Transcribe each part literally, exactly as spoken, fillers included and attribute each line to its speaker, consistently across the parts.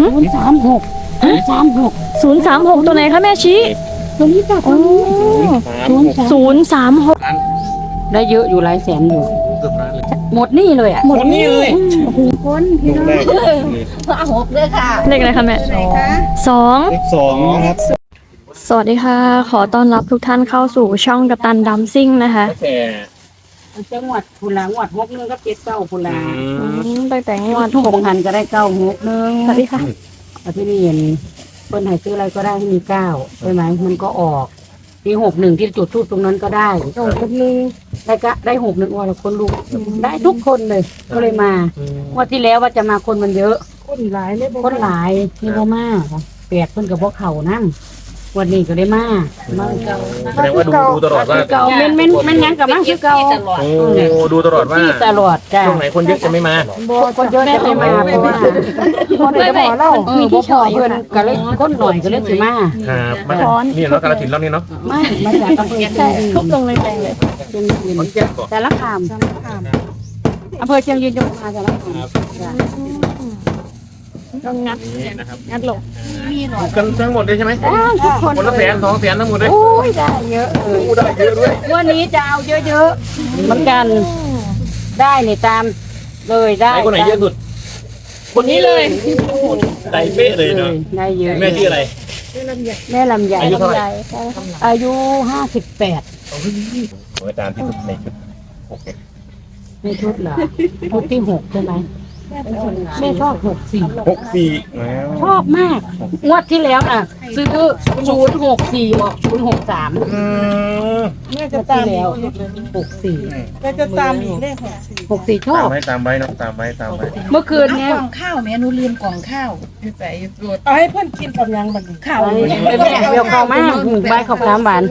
Speaker 1: ศูนย์สามหกสามหก
Speaker 2: ศูนย์สามหกตัวไหนคะแม่ชี้
Speaker 1: ตัวนี้จ้ะ
Speaker 2: โอ้
Speaker 1: ศูนย์สาม
Speaker 2: ศูนย์สามหก
Speaker 1: ได้เยอะอยู่หลายแสนอยู่
Speaker 3: เกือบล้านเลย
Speaker 1: หมดหนี่เลยอ่ะ
Speaker 3: หมดนี่เลย
Speaker 1: คนพี่น้องเอาหกเลยค่ะ
Speaker 2: เลขอะไรคะแม่สอง
Speaker 3: เลขสองนะครับ
Speaker 2: สวัสดีค่ะ ขอต้อนรับทุกท่านเข้าสู่ช่องกัปตันดัมซิ่งนะคะ
Speaker 3: ตั้งแต่
Speaker 1: จังหวัดพุลางวัดหกนึงก็เจ็ดเก้าพุลา
Speaker 3: อื
Speaker 2: อื
Speaker 3: ม
Speaker 2: มตั้งแต่งวด
Speaker 1: ทุกบางหันก็ได้เก้าหกนึง
Speaker 2: สวัสดีค่ะ
Speaker 1: เอาที่นี่เห็นเพิ่นให้ซื้ออะไรก็ได้ให้มีเก้าใช่ไหมมันก็ออกปีหกหนึ่งที่จุดทูบตรงนั้นก็ได้โอ้คนนึงได้ก็ได้หกหนึ่งวันคนลูกได้ทุกคนเลยก็เลยมาว่าที่แล้วว่าจะมาคนมันเยอะ
Speaker 4: คนหลายเลย
Speaker 1: คนหลายที่บ่มาแปดเพิ่นกับพวกเขานั่งวันนี้ก็ได้มามาเก่า
Speaker 3: แสดงว่าดูดูตลอดว่า
Speaker 1: เก่าเม่นเม่นเม่นยังกับมาคือเก่า
Speaker 3: โอ้ดูตลอดว่า
Speaker 1: ที่ตลอดจ้ะ
Speaker 3: ช่วงไหนคนเยอะจะไม่มา
Speaker 1: คนเยอะจะไม่มาเพราะว่า
Speaker 4: คนไหนจะบอกเล่า
Speaker 1: เออบ่พอเพิ่นก็เลยคนหน่อยก็เลยสิมา
Speaker 3: ครับมาจากนี่เนาะกาฬสินธุ์รอบนี้เนาะ
Speaker 1: ไม่มาจากอำเภอ
Speaker 2: ใช่ทุบลงเลยแดงเลย
Speaker 1: เชียงยืน
Speaker 3: ขอนแก่นก่อน
Speaker 1: แต่ละคามอำเภอเชียงยืนจังหวัดแต่ละคามจ้ะ
Speaker 2: ก็งัด
Speaker 3: นี่นะครับ
Speaker 2: งัดลง
Speaker 3: ถูกกันทั้งหมดเลยใช่ไหม
Speaker 1: ได้ทุกคน
Speaker 3: คนละแสนสองแสนทั้งหมดเลย
Speaker 1: โอ้ยได้เยอะเลย
Speaker 3: อู้ได้เยอะด้วย
Speaker 1: วันนี้จะเอาเยอะๆเหมือนกันได้นี่ตามเลย
Speaker 3: ไหน
Speaker 1: ได้
Speaker 3: คนไหนเยอะสุด คนนี้เลยใจเป๊ะเลยเนาะ
Speaker 1: ได้เยอะ
Speaker 3: แม่ชื่ออะไร
Speaker 1: แม่ลำใหญ่
Speaker 3: อายุเท่าไหร่
Speaker 1: อายุห้าสิบแปด
Speaker 3: อาจารย์ที่สุดในชุดโอเค
Speaker 1: ในชุดเหรอชุดที่หกใช่ไหมแม่ชอบหกสี่
Speaker 3: หกสี่แล้ว
Speaker 1: ชอบมากงวดที่แล้วอ่ะซื้อศูนย์หกสี่ออกศูนย์หกสาม
Speaker 3: อืม
Speaker 4: แม่
Speaker 1: ง
Speaker 4: จะ
Speaker 1: วด
Speaker 4: ตา
Speaker 1: ที่
Speaker 4: ม
Speaker 1: แล้วหกสี่
Speaker 4: แม่จะตามอีกเลขหกสี่
Speaker 1: หกสี่ชอ
Speaker 3: ตาม
Speaker 1: บ
Speaker 3: ไว้ตามไว้เนาะตามไว้ตามไว้
Speaker 1: เมื่อคืนเนี้ย
Speaker 5: กล่องข้าวแม่หนูลืมกล่องข้าวอยู่ใส่รถ
Speaker 4: เอาให้เพื่อนกินกับยังบัดนี้
Speaker 5: ข้าว
Speaker 1: ไปแม่เบลเข้ามากใบขอบน้ำหวาน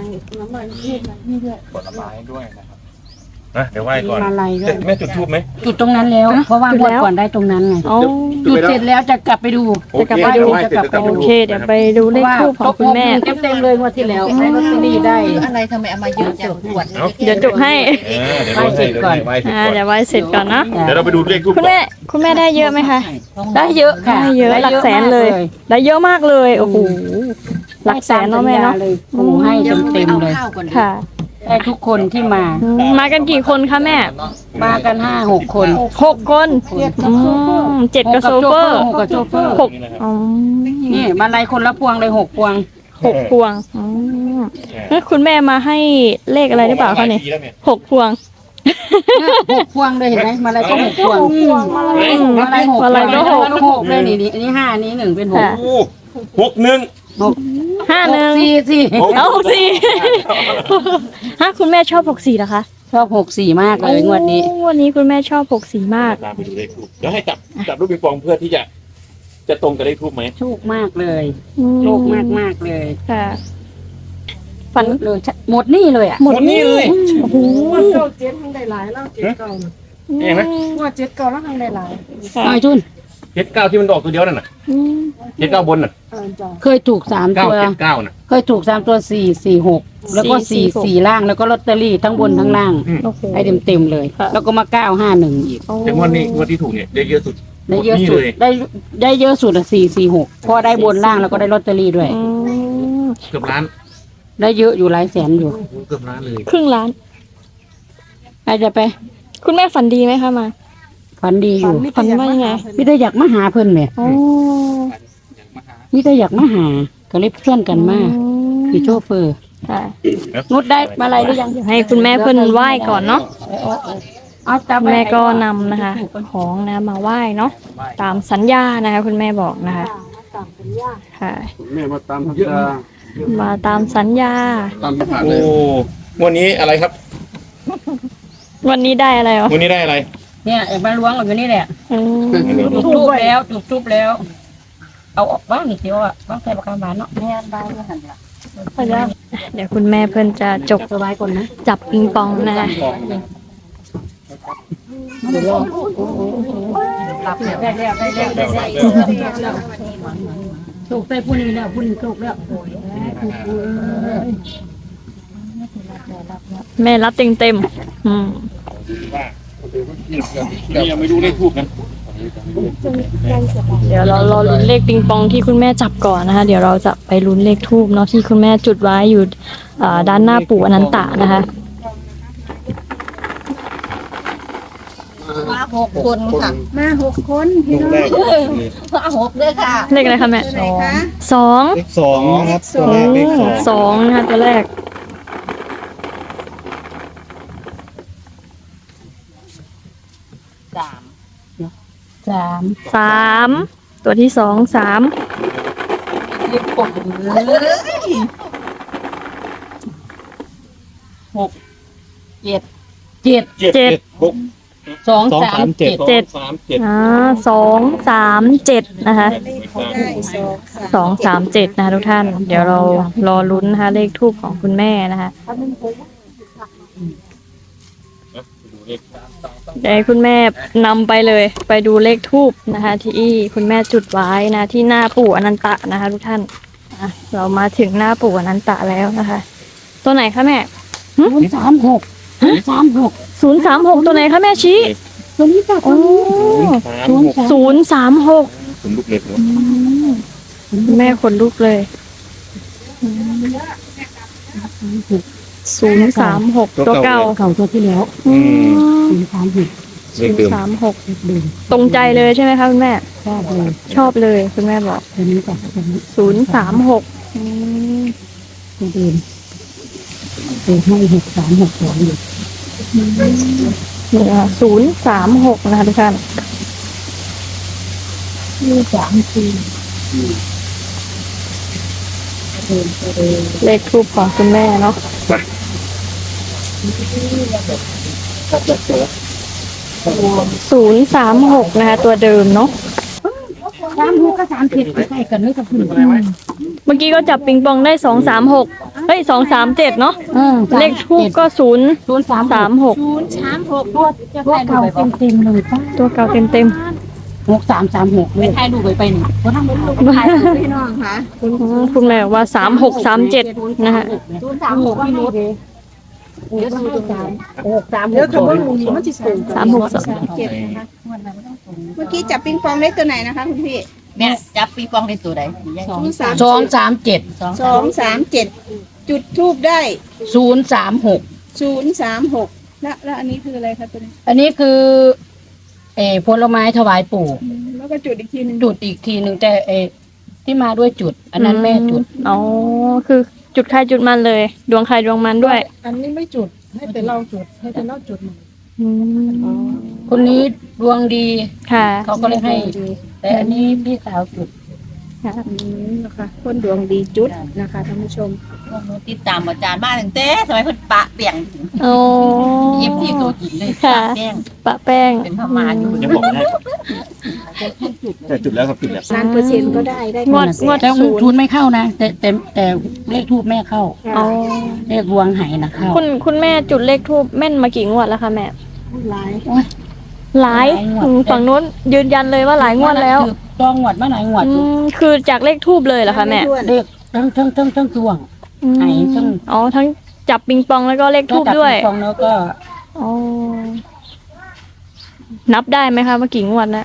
Speaker 3: ผลไม้ด้วยนะครับนะเดี๋ยวไหว้ก่อน
Speaker 1: มาลัยด้ว
Speaker 3: เจ็
Speaker 1: ย
Speaker 3: ดแม่จุดทูบไหม
Speaker 1: จุดตรงนั้นแล้ว เพราะว่างวดก่อนได้ตรงนั้นไง
Speaker 2: โอ้
Speaker 1: จุดเสร็จแล้วจะกลับไปดู
Speaker 2: จะกลับไปดู
Speaker 1: จะกลับไปดู
Speaker 2: โอเค เดี๋ยวไปดูเลขทูบของคุณแม่
Speaker 1: เต็มเต็มๆเลยงวดที่แล้วได้ลอตเตอรี่ได้
Speaker 5: อะไรทำไมเอามาเยอะจังขวด
Speaker 2: เดี๋ยวจุกให้
Speaker 3: เออเดี๋ยวเราให้เดี๋ยวเราให้ไหว้เสร็จ
Speaker 2: อ่า
Speaker 3: ก่อน
Speaker 2: เดี๋ยวไว้เสร็จก่อนเนาะ
Speaker 3: เดี๋ยวเราไปดูเลขทูบ
Speaker 2: คุณแม่ คุณแม่ได้เยอะไหมคะ
Speaker 1: ได้เยอะค่ะ
Speaker 2: ได้เยอะหลักแสนเลย ได้เยอะมากเลย โอ้โห หลักแสนเนาะแม่เนาะ
Speaker 1: เลยโอ้โหให้เต็มเต็มๆเลย
Speaker 5: ข้าวก่อน
Speaker 2: ค่ะ
Speaker 1: ได้ทุกคนที่มา
Speaker 2: อืมมากันกี่คนคะแม่
Speaker 1: มากันห้าหกคน
Speaker 2: หกคนอืมเจ็ดกับโซเฟอร์
Speaker 1: หกกับโชเฟอร์
Speaker 2: หกอ๋อ
Speaker 1: นี่มาลัยคนละพวงเลยหกพวง
Speaker 2: หกพวงอืมแล้วคุณแม่มาให้เลขอะไรหรือเปล่าคะเนี่ยหกพวง
Speaker 1: หกพวงเลยเห็นไหมมาลัยก็หกพวง
Speaker 2: มาลัยหก
Speaker 1: มาลัยหก
Speaker 2: มาลัยก็หก
Speaker 1: มาลัยหกเลยนี่นี่อันนี้ห้าอันนี้หนึ่งเป็นหก
Speaker 2: ค่ะ
Speaker 3: โอ้หกหนึ่ง
Speaker 1: หก
Speaker 2: ห้าหนึ่ง
Speaker 1: สี่สี่
Speaker 2: เอาหกสี่ฮะคุณแม่ชอบหกสี่เหรอคะ
Speaker 1: ชอบหกสี่มากเลยงวดนี้
Speaker 2: โอ้วันนี้คุณแม่ชอบหกสี่มาก
Speaker 3: ตามไปดูเลขทูบเดี๋ยวให้จับจับลูกปิงปองเพื่อที่จะ จะตรงกับเลขทูบไหม
Speaker 1: โชคมากเลย
Speaker 2: อืม
Speaker 1: โชคมากมากๆเลย
Speaker 2: ค่ะ ฝัน
Speaker 1: เลยหมดหนี่เลยอ่ะ
Speaker 2: หมด
Speaker 3: หมดนี่เลย
Speaker 2: โอ้โห
Speaker 4: ว่าเก้าเจ็ดทั้งได้หลายแล้วเจ็ดเก้าน่ะ
Speaker 3: เองนะ
Speaker 4: ว่าเจ็ดเก้าแล้วทั้งได้หลาย
Speaker 2: ค่ะ
Speaker 1: น้อยทุน
Speaker 3: เจ็ดเก้าที่มันออกตัวเดียวนั่นน่ะ
Speaker 2: อืม
Speaker 3: เจ็ดเก้าบนน่ะ
Speaker 4: เออจ้ะ
Speaker 1: เคยถูกสาม
Speaker 3: เก้า
Speaker 1: ตัว
Speaker 3: เจ็ดเก้าน่ะ
Speaker 1: เคยถูกสามตัวสี่สี่หกแล้วก็สี่สี่ล่างแล้วก็ลอตเตอรี่ทั้งบนทั้งล่าง
Speaker 2: โอ้โห
Speaker 1: ให้เต็มเต็มๆเลย
Speaker 2: ค่ะ
Speaker 1: แล้วก็มาเก้าห้าหนึ่งอีก
Speaker 2: โอ้
Speaker 3: แต่งวดนี้งวดที่ถูกเนี่ยได้เยอะสุด
Speaker 1: ได้เยอะ
Speaker 3: หมดหนี้
Speaker 1: สุด
Speaker 3: เลย
Speaker 1: ได้ได้เยอะสุดอะสี่สี่หกพอได้บนล่างแล้วก็ได้ลอตเตอรี่ด้วย
Speaker 2: อืม
Speaker 3: เกือบล้าน
Speaker 1: ได้เยอะอยู่หลายแสนอยู่
Speaker 3: โอ้โหเกือบล้านเลย
Speaker 2: ครึ่งล้าน
Speaker 1: ใครจะไป
Speaker 2: คุณแม่ฝันดีไหมคะมา
Speaker 1: ฝันดีอยู่
Speaker 2: ฝันว่ายังไง
Speaker 1: มิได้อยากมาหาเพิ่นแหม่
Speaker 2: โอ้
Speaker 1: มิได้อยากมาหาก็เลยชวนกันมาคือโชเฟอร์
Speaker 2: ค่ะ
Speaker 1: นุดได้มาอะไรหรือยัง
Speaker 2: เดี๋ยวให้คุณแม่เพิ่นไหว้ก่อนเนาะ
Speaker 1: เอาจับ
Speaker 2: แม่ก็นำนะคะ ของนะมาไหว้เนาะตามสัญญานะคะ คุณแม่บอกนะคะค่ะ
Speaker 6: แม่มาตามสัญญา
Speaker 2: มาตามสัญญา
Speaker 6: ตามที่ผ่าน
Speaker 3: โอ้
Speaker 6: เลย
Speaker 3: งวดนี้อะไรครับ
Speaker 2: วันนี้ได้อะไรวะ
Speaker 3: งวดนี้ได้อะไร
Speaker 1: เนี่ยเอกมาล้วงอยู่นี่แหละ
Speaker 2: อืม
Speaker 1: จุดทูบแล้วจุดทูบแล้ว เอาออกบ้างนี่เดียวอ่ะบ้างใส่ปากกาบานเนาะแม่บ้านไม่หันละ
Speaker 2: เดี๋ยวคุณแม่เพิ่นจะจก
Speaker 1: สบายก่อนนะ
Speaker 2: จับปิงปองนะคะ
Speaker 1: เดี๋ยวรอหลับแล้วได้แล้วได้แล้วได้แล้วถูกใส่ผู้นี้แล้วผู้นี้ถูกแล้ว
Speaker 2: แม่รับเต็มเต็มๆอืม
Speaker 3: นี่ยังไม่รู้เลขทูบนะ
Speaker 2: เดี๋ยวเรารอลุ้นเลขปิงปองที่คุณแม่จับก่อนนะคะ เดี๋ยวเราจะไปลุ้นเลขทูบเนาะที่คุณแม่จุดไว้อยู่อ่าด้านหน้าปู่อนันตะนะคะ
Speaker 5: มาหกคนค่ะ
Speaker 4: มาหกคนพี่น้อง
Speaker 5: มาหกด้วยค่ะ
Speaker 2: เลขอะไรคะแม่
Speaker 4: ไหนคะ
Speaker 2: สอง
Speaker 7: เลขสองนะครับตัวแรกเลขสอง
Speaker 2: สองนะคะตัวแรก
Speaker 5: สาม
Speaker 1: สาม
Speaker 2: สามตัวที่สองสาม
Speaker 5: ลิบปกเลยหกเจ็ด
Speaker 1: เจ็ด
Speaker 3: เจ็ด
Speaker 2: เจ็ด
Speaker 3: หก
Speaker 1: สอง
Speaker 7: สอง
Speaker 1: สา
Speaker 7: สาม มเจ็ด
Speaker 2: เจ็ด
Speaker 3: สามเจ็ด
Speaker 2: อ่าสองสามเจ็ดนะคะ
Speaker 4: ได้สองสาม
Speaker 2: สองสามเจ็ดนะคะทุกท่าน เดี๋ยวเรารอลุ้นนะคะเลขทูบของคุณแม่นะคะ
Speaker 3: ดูเลข
Speaker 2: เดี๋ยวให้คุณแม่นำไปเลย ไปดูเลขทูบนะคะ ที่คุณแม่จุดไว้นะที่หน้าปู่อนันตะนะคะ ทุกท่านอ่ะเรามาถึงหน้าปู่อนันตะแล้วนะคะ ตัวไหนคะแม่
Speaker 1: ศูนย์สามหกศูนย์สามหก
Speaker 2: ศูนย์สามหกตัวไหนคะแม่ชี้
Speaker 1: ตัวนี้จ้ะ
Speaker 2: โอ้
Speaker 3: ศูนย์สามหก
Speaker 2: ศูนย์สามหก
Speaker 3: ผมลูกเล็กเนาะ
Speaker 2: แม่ขนลุกเลยศูนย์สามหกตัวเก่า
Speaker 1: เก่าตัวที่แล้ว
Speaker 2: อืม
Speaker 1: ศูนย์สามหก
Speaker 3: เล
Speaker 2: ศู
Speaker 3: ข
Speaker 2: น
Speaker 3: เดิม
Speaker 2: ย์สามหก
Speaker 1: เดิม
Speaker 2: ตรงใจเลยใช่ไหมคะคุณแม่
Speaker 1: ชอบเลย
Speaker 2: ชอบเลยคุณแม่บอก
Speaker 1: ตัวนี้จ้ะตัวนี้
Speaker 2: ศูนย์สามหก
Speaker 1: ตัวเดิมตัวให้หกสามหกสองอยู่
Speaker 2: นี่ค่ะศูนย์สามหกนะคะทุกท่าน
Speaker 1: นี่สามสี่
Speaker 2: เลขทูปของคุณแม่เนาะศูนย์สามหกนะคะ ตัวเดิมเนาะ
Speaker 1: สามหกกับสามเจ็ดใกล้กันเลยกับคุณ
Speaker 2: เมื่อกี้ก็จับปิงปองได้สองสามหกเฮ้ยสองสามเจ็ดเนาะ
Speaker 1: เออ
Speaker 2: เลขทูปก็ศูนย์
Speaker 1: ศูนย์สาม
Speaker 2: สามหก
Speaker 4: ศูนย์สามหก
Speaker 1: ตัวตัวเก่าเต็มเต็มๆเลยป้า
Speaker 2: ตัวเก่าเต็มเต็ม
Speaker 1: หกสามสามหกเลย
Speaker 5: ถ่ายรูปไปไปหนึ่ง
Speaker 1: เพราะทั้งหมด
Speaker 4: พี่น้องค่ะ
Speaker 2: ๆอืมคุณแม่บอกว่าสามหกสามเจ็ดนะคะ
Speaker 1: ศูนย์สามหกพี่นุชเดี๋ยวศูนย์สามหกสามห
Speaker 4: เดี๋ยว
Speaker 1: ก
Speaker 4: คำว่าหนูนี่มันจะสูง
Speaker 2: สามหกสอง
Speaker 4: เจ็ดนะคะเมื่อกี้จับปิงปองได้ตัวไหนนะคะคุณพี่
Speaker 5: แม่จับปีปองในตัวใด
Speaker 4: ศูนย์สาม
Speaker 1: สองสามเจ็ด
Speaker 4: สองสามเจ็ดจุดทูบได้
Speaker 1: ศูนย์สามหก
Speaker 4: ศูนย์สามหกแล้วแล้วอันนี้คืออะไรคะตัวนี้
Speaker 1: อันนี้คือ เออผลไม้ถวายปู่
Speaker 4: อืมแล้วก็จุดอีกทีหนึง
Speaker 1: จุดอีกทีหนึ่งแต่เออที่มาด้วยจุด อันนั้นแม่จุด
Speaker 2: อ๋อคือจุดใครจุดมันเลย ดวงใครดวงมันด้วย
Speaker 4: อันนี้ไม่จุดให้แต่เราจุดให้แต่เราจุดหนึ่ง
Speaker 2: อืม
Speaker 1: คนนี้ดวงดี
Speaker 2: ค่ะ
Speaker 1: เขาก็เลยให้ แต่อันนี้พี่สาวจุด
Speaker 2: ค่ะ
Speaker 4: อืมนะคะคนดวงดีจุดนะคะท่านผู้ชม
Speaker 5: ติดตามอาจารย์มาตั้งแต่สมัยเพิ่นปะเปียง
Speaker 2: โอ้
Speaker 5: เย็บที่ตัวกินเลย
Speaker 2: ค่ะ
Speaker 5: ปะแป้ง
Speaker 2: ปะแป้ง
Speaker 5: เป็นพม่าอยู่
Speaker 3: ยังบอกไม่ได้แต่จุดแล้วครับจุดแล้ว
Speaker 4: ล้านเปอร์เซ็นต์ก็ได้ได้
Speaker 2: งวดงวด
Speaker 1: แต่
Speaker 2: ศูนย์
Speaker 1: ทุนไม่เข้านะแต่แต่แต่เลขทูบแม่เข้า
Speaker 2: อ๋อ
Speaker 1: เลขรวงไหนะเข้า
Speaker 2: คุณคุณแม่จุดเลขทูบแม่นมากี่งวดแล้วคะแม่
Speaker 4: หลาย
Speaker 2: หลาย
Speaker 1: หลายงวด
Speaker 2: อืมฝั่งนู้นยืนยันเลยว่าหลายงวดแล้ว
Speaker 1: จองงวดมาหลายงวด
Speaker 2: อื
Speaker 1: อยู่
Speaker 2: มคือจากเลขทูบเลยเหรอคะแม่
Speaker 4: ถ้วน
Speaker 1: เลขทั้งทั้งทั้งทั้งดวง
Speaker 2: อืม
Speaker 1: ไหนทั้ง
Speaker 2: อ๋อทั้งจับปิงปองแล้วก็เลขทูบ
Speaker 1: จับ
Speaker 2: ด้วย
Speaker 1: ปิงปองแล้วก็
Speaker 2: อ๋อนับได้ไหมคะว่ากี่งวดแล้ว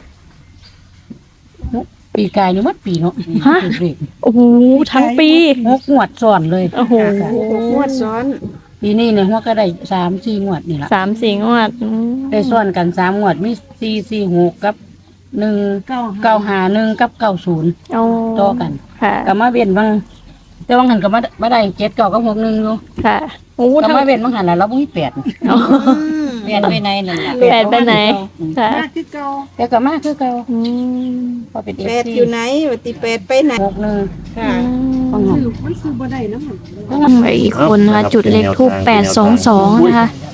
Speaker 1: ปีกายนี่มัดปีเนาะ
Speaker 2: ฮะ
Speaker 1: เลข
Speaker 2: โอ้โหทั้งปี
Speaker 1: หกงวดซ้อนเลย
Speaker 2: โอ้โห
Speaker 4: หกงวดซ้อน
Speaker 1: ปีนี้เนี่ยหัวก็ได้สามสี่งวดนี่ละ
Speaker 2: สามสี่งวดอืม
Speaker 1: ได้ซ้อนกันสามงวดมีสี่สี่หกกับหนึ่ง
Speaker 4: เก้า
Speaker 1: เก้าหาหนึ่งกับเก้าศูนย์
Speaker 2: เอา
Speaker 1: ต่อกัน
Speaker 2: ค่ะ
Speaker 1: กับมาเวียนบางแต่บางหันกับมามาได้เจ็ดเก้ากับหกหนึ่งอยู่
Speaker 2: ค่ะโอ้
Speaker 1: กับ
Speaker 2: ทั้ง
Speaker 1: มาเวียนบางหันแล้วเราไม่มีแปด
Speaker 2: อ๋อ
Speaker 5: เรียนไปในนั่นแหละ
Speaker 2: แปดไปไหน ค่ะ
Speaker 4: มากคือเก้า
Speaker 1: แต่กับมาคือเก่า
Speaker 2: อืม
Speaker 1: พอเป็นเอฟ
Speaker 4: แปด
Speaker 1: ซี
Speaker 4: อยู่ไหนวัติแปดไปไหน
Speaker 1: หกหนึ่ง
Speaker 4: ค่ะ
Speaker 1: บางหัน
Speaker 4: มันซื้อบ่ได้นะมัน
Speaker 2: อืมอีกคนนะคะจุดเลขทูปแปดสองสองนะคะ